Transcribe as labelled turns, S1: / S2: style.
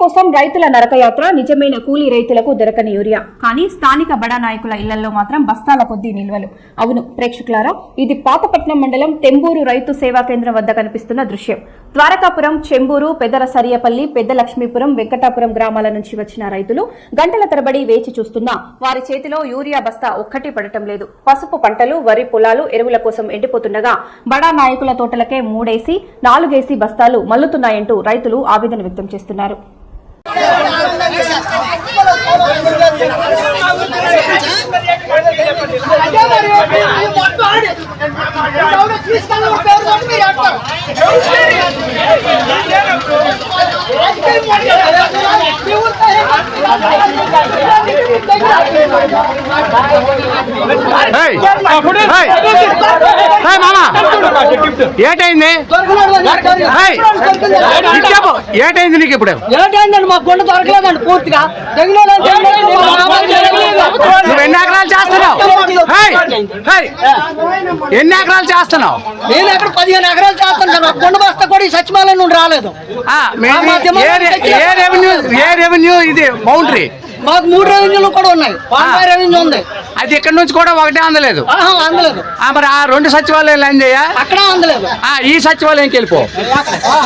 S1: కోసం రైతుల నరకయాత్ర, నిజమైన కూలీ రైతులకు దొరకని యూరియా. కానీ స్థానిక బడా నాయకుల ఇళ్లలో మాత్రం బస్తాల కొద్దీ నిల్వలు. అవును ప్రేక్షకులారా, ఇది పాతపట్నం మండలం తెంబూరు రైతు సేవా కేంద్రం వద్ద కనిపిస్తున్న దృశ్యం. ద్వారకాపురం, చెంబూరు, పెదర సరియపల్లి, పెద్ద లక్ష్మీపురం, వెంకటాపురం గ్రామాల నుంచి వచ్చిన రైతులు గంటల తరబడి వేచి చూస్తున్నా వారి చేతిలో యూరియా బస్తా ఒక్కటి పడటం లేదు. పసుపు పంటలు, వరి పొలాలు ఎరువుల కోసం ఎండిపోతుండగా బడా నాయకుల తోటలకే 3 4 బస్తాలు మల్లుతున్నాయంటూ రైతులు ఆవేదన వ్యక్తం చేస్తున్నారు.
S2: ఏటైంది ఏటైంది నీకు ఇప్పుడు?
S3: ఏటైందండి మా కొండ దొరకలేదండి పూర్తిగా.
S2: నువ్వు ఎన్ని ఎకరాలు చేస్తున్నావు? ఎన్ని ఎకరాలు చేస్తున్నావు?
S3: నేను ఎక్కడ 15 ఎకరాలు చేస్తాను. నా కొండ బస్తా కూడా ఈ సచివాలయం నుండి రాలేదు.
S2: ఏ రెవెన్యూ ఇది బౌండరీ?
S3: మాకు 3 రెవెన్యూలు కూడా ఉన్నాయి. 50 రెవెన్యూ ఉంది.
S2: అది ఇక్కడ నుంచి కూడా ఒకటే అందలేదు.
S3: అందలేదు.
S2: మరి ఆ 2 సచివాలయాలు ఏం చేయ?
S3: అక్కడ అందలేదు.
S2: ఈ సచివాలయంకి వెళ్ళిపో.